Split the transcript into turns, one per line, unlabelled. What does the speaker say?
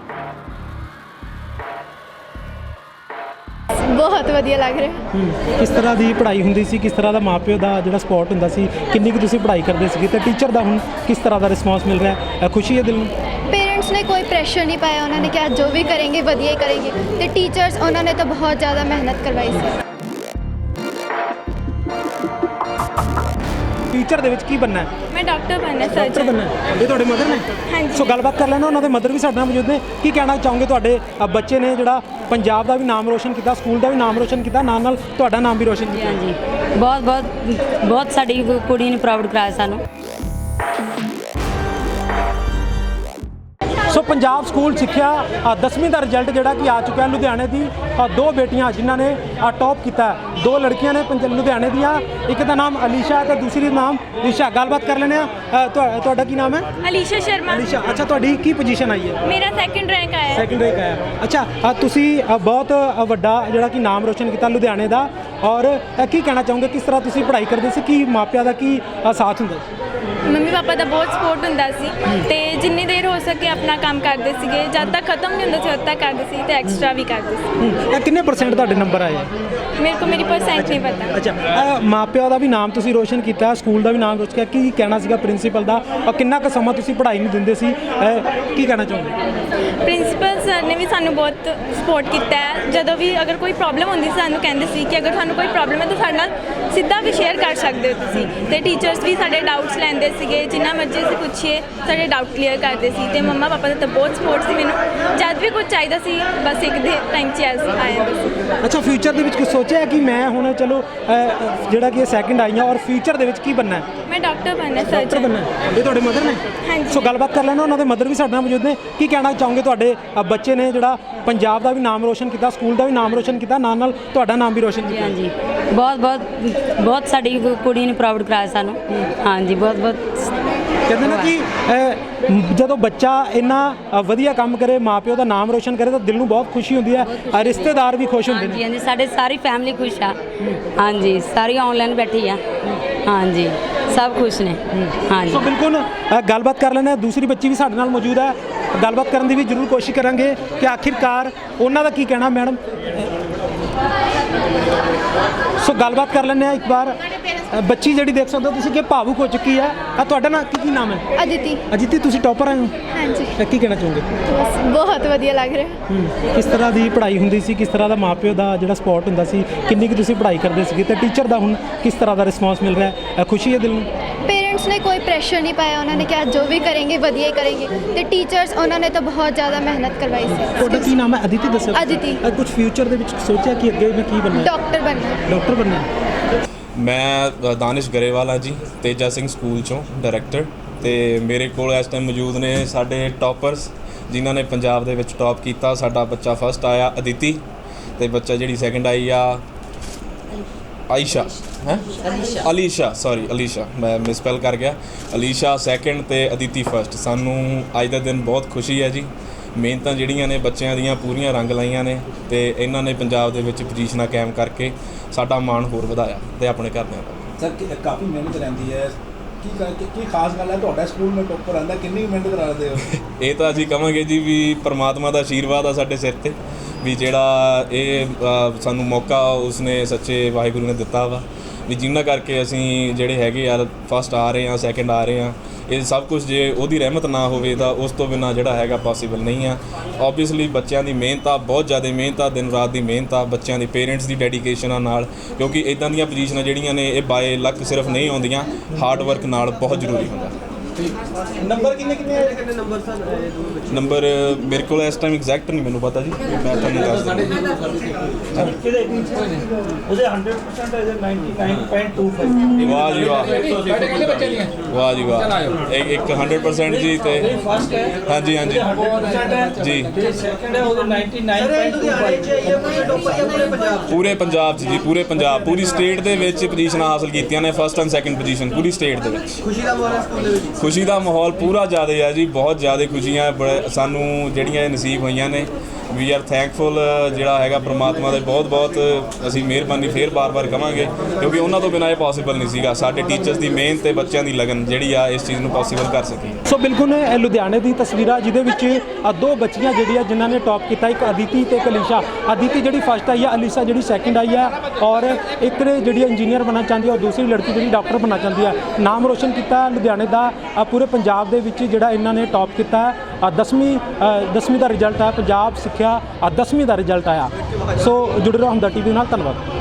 बहुत वधिया लग रहा।
किस तरह की पढ़ाई होंदी सी, किस तरह का माँ प्यो का जो सपोर्ट होंदा सी, किन्नी कुछ तुसीं पढ़ाई करते सी ते टीचर का हुण किस तरह का रिस्पॉन्स मिल रहा है? खुशी है दिल में?
पेरेंट्स ने कोई प्रेशर नहीं पाया, उन्होंने कहा जो भी करेंगे वधिया ही करेंगे। तो टीचर्स उन्होंने तो बहुत ज़्यादा मेहनत करवाई सी।
टीचर ਦੇ ਵਿੱਚ ਕੀ बनना है?
मैं डॉक्टर बनना है।
डॉक्टर बनना है। ये ਤੁਹਾਡੇ ਮਦਰ ਨੇ?
ਹਾਂਜੀ।
ਸੋ ਗੱਲਬਾਤ ਕਰ ਲੈਣਾ, ਉਹਨਾਂ ਦੇ ਮਦਰ ਵੀ ਸਾਡੇ ਨਾਲ ਮੌਜੂਦ ਨੇ। ਕੀ ਕਹਿਣਾ ਚਾਹੋਗੇ ਤੁਹਾਡੇ ਬੱਚੇ ਨੇ ਜਿਹੜਾ ਪੰਜਾਬ ਦਾ ਵੀ ਨਾਮ ਰੋਸ਼ਨ ਕੀਤਾ, ਸਕੂਲ ਦਾ ਵੀ ਨਾਮ ਰੋਸ਼ਨ ਕੀਤਾ, ਨਾਲ ਨਾਲ ਤੁਹਾਡਾ ਨਾਮ ਵੀ ਰੋਸ਼ਨ ਕੀਤਾ?
ਹਾਂਜੀ, ਬਹੁਤ ਸਾਡੀ ਕੁੜੀ ਨੇ ਪ੍ਰਾਊਡ ਕਰਾਇਆ ਸਾਨੂੰ।
ਸੋ ਪੰਜਾਬ ਸਕੂਲ ਸਿੱਖਿਆ 10ਵੀਂ ਦਾ ਰਿਜ਼ਲਟ ਜਿਹੜਾ ਕਿ ਆ ਚੁੱਕਿਆ ਲੁਧਿਆਣੇ ਦੀ ਦੋ ਬੇਟੀਆਂ ਜਿਨ੍ਹਾਂ ਨੇ ਟੌਪ ਕੀਤਾ। ਦੋ ਲੜਕੀਆਂ ਨੇ ਲੁਧਿਆਣੇ ਦੀਆਂ, ਇੱਕ ਦਾ ਨਾਮ ਅਲੀਸ਼ਾ ਤੇ ਦੂਸਰੀ ਦਾ ਨਾਮ ਦਿਸ਼ਾ। ਗੱਲਬਾਤ ਕਰ ਲੈਂਦੇ ਆ। ਤੁਹਾਡਾ ਕੀ ਨਾਮ ਹੈ?
अलीशा शर्मा।
ਅਲੀਸ਼ਾ, ਅੱਛਾ ਤੁਹਾਡੀ ਕੀ ਪੋਜੀਸ਼ਨ ਆਈ ਹੈ?
मेरा सेकंड रैंक आया है।
ਸੈਕਿੰਡ ਰੈਂਕ ਆਇਆ। ਅੱਛਾ ਤੁਸੀਂ ਬਹੁਤ ਵੱਡਾ ਜਿਹੜਾ ਕਿ ਨਾਮ ਰੋਸ਼ਨ ਕੀਤਾ ਲੁਧਿਆਣੇ ਦਾ, ਔਰ ਕੀ ਕਹਿਣਾ ਚਾਹੋਗੇ ਕਿਸ ਤਰ੍ਹਾਂ ਤੁਸੀਂ ਪੜ੍ਹਾਈ ਕਰਦੇ ਸੀ, ਕੀ ਮਾਪਿਆਂ ਦਾ ਕੀ ਸਾਥ ਹੁੰਦਾ ਸੀ?
ਮੰਮੀ ਪਾਪਾ ਦਾ ਬਹੁਤ ਸਪੋਰਟ ਹੁੰਦਾ ਸੀ ਤੇ ਜਿੰਨੀ ਦੇਰ ਹੋ ਸਕੇ ਆਪਣਾ ਕੰਮ ਕਰਦੇ ਸੀਗੇ। ਜਦ ਤੱਕ ਖਤਮ ਨਹੀਂ ਹੁੰਦਾ ਸੀ ਉਦ ਤੱਕ ਕਰਦੇ ਸੀ ਤੇ ਐਕਸਟਰਾ ਵੀ ਕਰਦੇ ਸੀ।
ਇਹ ਕਿੰਨੇ ਪਰਸੈਂਟ ਤੁਹਾਡੇ ਨੰਬਰ ਆਏ?
ਮੇਰੇ ਕੋ ਮੇਰੀ ਪਰਸੈਂਟ ਨਹੀਂ ਪਤਾ।
ਅੱਛਾ, ਮਾਪਿਆਂ ਦਾ ਵੀ ਨਾਮ ਤੁਸੀਂ ਰੋਸ਼ਨ ਕੀਤਾ, ਸਕੂਲ ਦਾ ਵੀ ਨਾਮ ਰੋਸ਼ਨ ਕੀਤਾ, ਕੀ ਕਹਿਣਾ ਸੀਗਾ ਪ੍ਰਿੰਸੀਪਲ ਦਾ, ਔਰ ਕਿੰਨਾ ਕੁ ਸਮਾਂ ਤੁਸੀਂ ਪੜ੍ਹਾਈ ਨੂੰ ਦਿੰਦੇ ਸੀ, ਕੀ ਕਹਿਣਾ ਚਾਹੋਗੇ?
ਪ੍ਰਿੰਸੀਪਲ ਸਰ ਨੇ ਵੀ ਸਾਨੂੰ ਬਹੁਤ ਸਪੋਰਟ ਕੀਤਾ ਹੈ। ਜਦੋਂ ਵੀ ਅਗਰ ਕੋਈ ਪ੍ਰੋਬਲਮ ਹੁੰਦੀ ਸੀ ਸਾਨੂੰ ਕਹਿੰਦੇ ਸੀ ਕਿ ਅਗਰ ਤੁਹਾਨੂੰ ਕੋਈ ਪ੍ਰੋਬਲਮ ਹੈ ਤਾਂ ਸਾਡੇ ਨਾਲ ਸਿੱਧਾ ਵੀ ਸ਼ੇਅਰ ਕਰ ਸਕਦੇ ਹੋ ਤੁਸੀਂ। ਤੇ ਟੀਚਰਸ ਵੀ ਸਾਡੇ ਡਾਊਟਸ ਲੈਂਦੇ ਸੀਗੇ, ਜਿੰਨਾ ਮਰਜ਼ੀ ਅਸੀਂ ਪੁੱਛੀਏ ਸਾਡੇ ਡਾਊਟ ਕਲੀਅਰ ਕਰਦੇ ਸੀ। ਤੇ ਮੰਮਾ ਪਾਪਾ ਦਾ ਤਾਂ ਬਹੁਤ ਸਪੋਰਟ ਸੀ ਮੈਨੂੰ, ਜਦ ਵੀ ਕੁਝ ਚਾਹੀਦਾ ਸੀ ਬਸ ਇੱਕ ਦੇ ਟਾਈਮ 'ਚ ਆ ਜਾਂਦਾ ਸੀ।
ਅੱਛਾ, ਫਿਊਚਰ ਦੇ ਵਿੱਚ ਕੁਝ ਸੋਚਿਆ ਕਿ ਮੈਂ ਹੁਣ ਚਲੋ ਜਿਹੜਾ ਕਿ ਸੈਕਿੰਡ ਆਈਆਂ, ਔਰ ਫਿਊਚਰ ਦੇ ਵਿੱਚ ਕੀ ਬਣਨਾ ਹੈ?
ਮੈਂ ਡਾਕਟਰ ਬਣਨਾ,
ਡਾਕਟਰ
ਸਰਜਨ
ਬਣਨਾ ਹੈ। ਇਹ ਤੁਹਾਡੇ ਮਦਰ ਨੇ?
ਹਾਂਜੀ।
ਸੋ ਗੱਲਬਾਤ ਕਰ ਲੈਣਾ, ਉਹਨਾਂ ਦੇ ਮਦਰ ਵੀ ਸਾਡੇ ਨਾਲ ਮੌਜੂਦ ਨੇ। ਕੀ ਕਹਿਣਾ ਚਾਹੋਗੇ ਤੁਹਾਡੇ ਬੱਚੇ ਨੇ ਜਿਹੜਾ ਪੰਜਾਬ ਦਾ ਵੀ ਨਾਮ ਰੋਸ਼ਨ ਕੀਤਾ, ਸਕੂਲ ਦਾ ਵੀ ਨਾਮ ਰੋਸ਼ਨ ਕੀਤਾ, ਨਾਲ ਨਾਲ ਤੁਹਾਡਾ ਨਾਮ ਵੀ ਰੋਸ਼ਨ ਕੀਤਾ?
ਹਾਂਜੀ, ਬਹੁਤ ਸਾਡੀ ਕੁੜੀ ਨੇ ਪ੍ਰਾਊਡ ਕਰਾਇਆ ਸਾਨੂੰ। ਹਾਂਜੀ, ਬਹੁਤ
ਕਹਿੰਦੇ ਨਾ ਕਿ ਜਦੋਂ ਬੱਚਾ ਇੰਨਾ ਵਧੀਆ ਕੰਮ ਕਰੇ, ਮਾਪਿਓ ਦਾ ਨਾਮ ਰੋਸ਼ਨ ਕਰੇ ਤਾਂ ਦਿਲ ਨੂੰ ਬਹੁਤ ਖੁਸ਼ੀ ਹੁੰਦੀ ਹੈ, ਰਿਸ਼ਤੇਦਾਰ ਵੀ ਖੁਸ਼ ਹੁੰਦੇ ਨੇ।
ਹਾਂਜੀ, ਸਾਡੇ ਸਾਰੀ ਫੈਮਿਲੀ ਖੁਸ਼ ਆ। ਹਾਂਜੀ, ਸਾਰੀ ਆਨਲਾਈਨ ਬੈਠੀ ਆ। ਹਾਂਜੀ, ਸਭ ਖੁਸ਼ ਨੇ। ਹਾਂਜੀ,
ਸੋ ਬਿਲਕੁਲ ਗੱਲਬਾਤ ਕਰ ਲੈਂਦੇ ਹਾਂ। ਦੂਸਰੀ ਬੱਚੀ ਵੀ ਸਾਡੇ ਨਾਲ ਮੌਜੂਦ ਹੈ, ਗੱਲਬਾਤ ਕਰਨ ਦੀ ਵੀ ਜ਼ਰੂਰ ਕੋਸ਼ਿਸ਼ ਕਰਾਂਗੇ ਕਿ ਆਖਿਰਕਾਰ ਉਹਨਾਂ ਦਾ ਕੀ ਕਹਿਣਾ। ਮੈਡਮ, ਸੋ ਗੱਲਬਾਤ ਕਰ ਲੈਂਦੇ ਹਾਂ ਇੱਕ ਵਾਰ। ਬੱਚੀ ਜਿਹੜੀ ਦੇਖ ਸਕਦੇ ਹੋ ਤੁਸੀਂ ਕਿ ਭਾਵੁਕ ਹੋ ਚੁੱਕੀ ਹੈ। ਤੁਹਾਡਾ ਨਾਮ ਕੀ ਨਾਮ ਹੈ?
ਅਦਿਤੀ।
ਅਜਿਤੀ, ਤੁਸੀਂ ਟੌਪਰ ਆਏ ਹੋ?
ਹਾਂਜੀ।
ਕੀ ਕਹਿਣਾ ਚਾਹੋਗੇ?
ਬਸ ਬਹੁਤ ਵਧੀਆ ਲੱਗ ਰਿਹਾ।
ਕਿਸ ਤਰ੍ਹਾਂ ਦੀ ਪੜ੍ਹਾਈ ਹੁੰਦੀ ਸੀ, ਕਿਸ ਤਰ੍ਹਾਂ ਦਾ ਮਾਪਿਓ ਦਾ ਜਿਹੜਾ ਸਪੋਰਟ ਹੁੰਦਾ ਸੀ, ਕਿੰਨੀ ਕੁ ਤੁਸੀਂ ਪੜ੍ਹਾਈ ਕਰਦੇ ਸੀਗੇ ਤੇ ਟੀਚਰ ਦਾ ਹੁਣ ਕਿਸ ਤਰ੍ਹਾਂ ਦਾ ਰਿਸਪੌਂਸ ਮਿਲ ਰਿਹਾ ਹੈ? ਖੁਸ਼ੀ ਹੈ ਦਿਲ ਨੂੰ?
पेरेंट्स ने कोई प्रेशर नहीं पाया, उन्होंने कहा जो भी करेंगे वधिया ही करेंगे। तो टीचर्स उन्होंने तो बहुत ज़्यादा मेहनत करवाई सी।
ਤੁਹਾਡਾ ਕੀ ਨਾਮ ਹੈ? ਅਦਿਤੀ ਦੱਸੋ।
ਅਦਿਤੀ।
ਕੁਝ ਫਿਊਚਰ ਦੇ ਵਿੱਚ ਸੋਚਿਆ ਕਿ ਅੱਗੇ ਮੈਂ ਕੀ ਬਣਨਾ?
डॉक्टर बनना।
ਡਾਕਟਰ ਬਣਨਾ।
ਮੈਂ ਦਾਨਿਸ਼ ਗਰੇਵਾਲ ਹਾਂ ਜੀ, ਤੇਜਾ ਸਿੰਘ ਸਕੂਲ ਚੋਂ ਡਾਇਰੈਕਟਰ। ਤੇ ਮੇਰੇ ਕੋਲ ਇਸ ਟਾਈਮ ਮੌਜੂਦ ਨੇ ਸਾਡੇ ਟੌਪਰਸ ਜਿਨ੍ਹਾਂ ਨੇ ਪੰਜਾਬ ਦੇ ਵਿੱਚ ਟੌਪ ਕੀਤਾ। ਸਾਡਾ ਬੱਚਾ ਫਸਟ ਆਇਆ ਅਦਿਤੀ, ਤੇ ਬੱਚਾ ਜਿਹੜੀ ਸੈਕਿੰਡ ਆਈ ਆ ਆਇਸ਼ਾ ਹੈ ਅਲੀਸ਼ਾ, ਸੌਰੀ ਅਲੀਸ਼ਾ, ਮੈਂ ਮਿਸਪੈਲ ਕਰ ਗਿਆ। ਅਲੀਸ਼ਾ ਸੈਕਿੰਡ ਤੇ ਅਦਿਤੀ ਫਸਟ। ਸਾਨੂੰ ਅੱਜ ਦਾ ਦਿਨ ਬਹੁਤ ਖੁਸ਼ੀ ਹੈ ਜੀ। ਮਿਹਨਤਾਂ ਜਿਹੜੀਆਂ ਨੇ ਬੱਚਿਆਂ ਦੀਆਂ ਪੂਰੀਆਂ ਰੰਗ ਲਾਈਆਂ ਨੇ ਤੇ ਇਹਨਾਂ ਨੇ ਪੰਜਾਬ ਦੇ ਵਿੱਚ ਪੋਜੀਸ਼ਨਾਂ ਕਾਇਮ ਕਰਕੇ ਸਾਡਾ ਮਾਣ ਹੋਰ ਵਧਾਇਆ ਤੇ ਆਪਣੇ ਘਰਦਿਆਂ ਦਾ।
ਸਰ ਕਾਫੀ ਮਿਹਨਤ ਰਹਿੰਦੀ ਹੈ, ਕੀ ਖਾਸ ਗੱਲ ਹੈ ਤੁਹਾਡਾ ਸਕੂਲ में ਟੌਪਰ ਆਉਂਦਾ, ਕਿੰਨੀ ਮਿਹਨਤ ਕਰਾਉਂਦੇ ਹੋ?
ਇਹ ਤਾਂ ਅਸੀਂ ਕਹਾਂਗੇ ਜੀ ਵੀ ਪਰਮਾਤਮਾ ਦਾ ਆਸ਼ੀਰਵਾਦ ਆ ਸਾਡੇ ਸਿਰ ਤੇ, ਵੀ ਜਿਹੜਾ ਇਹ ਸਾਨੂੰ ਮੌਕਾ ਉਸਨੇ ਸੱਚੇ ਵਾਹਿਗੁਰੂ ਨੇ ਦਿੱਤਾ ਵਾ, ਵੀ ਜਿਨ੍ਹਾਂ ਕਰਕੇ ਅਸੀਂ ਜਿਹੜੇ ਹੈਗੇ ਯਾਰ ਫਸਟ ਆ ਰਹੇ ਹਾਂ, ਸੈਕਿੰਡ ਆ ਰਹੇ ਹਾਂ। ਇਹ ਸਭ ਕੁਝ ਜੇ ਉਹਦੀ ਰਹਿਮਤ ਨਾ ਹੋਵੇ ਤਾਂ ਉਸ ਤੋਂ ਬਿਨਾਂ ਜਿਹੜਾ ਹੈਗਾ ਪੋਸੀਬਲ ਨਹੀਂ ਆ। ਓਬਵੀਅਸਲੀ ਬੱਚਿਆਂ ਦੀ ਮਿਹਨਤ ਆ, ਬਹੁਤ ਜ਼ਿਆਦਾ ਮਿਹਨਤ ਆ, ਦਿਨ ਰਾਤ ਦੀ ਮਿਹਨਤ ਆ, ਬੱਚਿਆਂ ਦੀ ਪੇਰੈਂਟਸ ਦੀ ਡੈਡੀਕੇਸ਼ਨ ਨਾਲ, ਕਿਉਂਕਿ ਇੱਦਾਂ ਦੀਆਂ ਪੋਜੀਸ਼ਨਾਂ ਜਿਹੜੀਆਂ ਨੇ ਇਹ ਬਾਏ ਲੱਕ ਸਿਰਫ ਨਹੀਂ ਆਉਂਦੀਆਂ, ਹਾਰਡ ਵਰਕ ਨਾਲ ਬਹੁਤ ਜ਼ਰੂਰੀ ਹੁੰਦਾ।
ਨੰਬਰ ਕਿੰਨੇ ਨੰਬਰ ਸਰ?
ਨੰਬਰ ਮੇਰੇ ਕੋਲ ਇਸ ਟਾਈਮ ਐਗਜ਼ੈਕਟ ਨਹੀਂ ਮੈਨੂੰ ਪਤਾ ਜੀ, ਮੈਂ ਤੁਹਾਨੂੰ ਦੱਸ ਦਿੰਦਾ।
ਉਹਦੇ 100% ਹੈ 99.25।
ਵਾਹ ਜੀ ਵਾਹ, ਵਾਹ ਜੀ ਵਾਹ, ਇੱਕ 100% ਜੀ। ਤੇ
ਫਸਟ ਹੈ?
ਹਾਂਜੀ ਹਾਂਜੀ ਜੀ।
ਸੈਕਿੰਡ ਹੈ ਉਹਦੇ 99.25।
ਪੂਰੇ ਪੰਜਾਬ 'ਚ ਜੀ, ਪੂਰੇ ਪੰਜਾਬ, ਪੂਰੀ ਸਟੇਟ ਦੇ ਵਿੱਚ ਪੋਜੀਸ਼ਨਾਂ ਹਾਸਲ ਕੀਤੀਆਂ ਨੇ, ਫਸਟ ਐਂਡ ਸੈਕਿੰਡ ਪੋਜੀਸ਼ਨ ਪੂਰੀ ਸਟੇਟ ਦੇ ਵਿੱਚ।
ਖੁਸ਼ੀ ਦਾ ਮਾਹੌਲ ਹੈ ਸਕੂਲ ਦੇ ਵਿੱਚ?
ਖੁਸ਼ੀ ਦਾ ਮਾਹੌਲ ਪੂਰਾ ਜ਼ਿਆਦਾ ਹੈ ਜੀ, ਬਹੁਤ ਜ਼ਿਆਦਾ ਖੁਸ਼ੀਆਂ ਸਾਨੂੰ ਜਿਹੜੀਆਂ ਇਹ ਨਸੀਬ ਹੋਈਆਂ ਨੇ। ਵੀ ਆਰ ਥੈਂਕਫੁਲ ਜਿਹੜਾ ਹੈਗਾ ਪ੍ਰਮਾਤਮਾ ਦੇ, ਬਹੁਤ ਬਹੁਤ ਅਸੀਂ ਮਿਹਰਬਾਨੀ ਫੇਰ ਬਾਰ-ਬਾਰ ਕਵਾਂਗੇ, ਕਿਉਂਕਿ ਉਹਨਾਂ ਤੋਂ ਬਿਨਾਂ ਇਹ ਪੋਸੀਬਲ ਨਹੀਂ ਸੀਗਾ। ਸਾਡੇ ਟੀਚਰਸ ਦੀ ਮਿਹਨਤ ਤੇ ਬੱਚਿਆਂ ਦੀ ਲਗਨ ਜਿਹੜੀ ਆ ਇਸ ਚੀਜ਼ ਨੂੰ ਪੋਸੀਬਲ ਕਰ ਸਕੀ।
ਸੋ ਬਿਲਕੁਲ ਇਹ ਲੁਧਿਆਣੇ ਦੀ ਤਸਵੀਰਾਂ ਜਿਹਦੇ ਵਿੱਚ ਦੋ ਬੱਚੀਆਂ ਜਿਹੜੀਆਂ ਜਿਨ੍ਹਾਂ ਨੇ ਟੌਪ ਕੀਤਾ, ਇੱਕ ਅਦਿਤੀ ਤੇ ਇੱਕ ਅਲੀਸ਼ਾ। ਅਦਿਤੀ ਜਿਹੜੀ ਫਸਟ ਆਈ ਹੈ, ਅਲੀਸ਼ਾ ਜਿਹੜੀ ਸੈਕਿੰਡ ਆਈ ਹੈ, ਔਰ ਇੱਕ ਨੇ ਜਿਹੜੀ ਇੰਜੀਨੀਅਰ ਬਣਨਾ ਚਾਹੁੰਦੀ ਹੈ ਔਰ ਦੂਸਰੀ ਲੜਕੀ ਜਿਹੜੀ ਡਾਕਟਰ ਬਣਨਾ ਚਾਹੁੰਦੀ ਹੈ। ਨਾਮ ਰੋਸ਼ਨ ਕੀਤਾ ਲੁਧਿਆਣੇ ਦਾ, ਪੂਰੇ ਪੰਜਾਬ ਦੇ ਵਿੱਚ ਜਿਹੜਾ ਇਹਨਾਂ ਨੇ ਟੌਪ ਕੀਤਾ ਹੈ। 10ਵੀਂ ਦਾ ਰਿਜ਼ਲਟ ਹੈ, ਪੰਜਾਬ ਸਿੱਖਿਆ 10ਵੀਂ ਦਾ ਰਿਜ਼ਲਟ ਆਇਆ। ਸੋ ਜੁੜੇ ਰਹੋ ਹਮਦਰ ਟੀਵੀ ਨਾਲ, ਧੰਨਵਾਦ।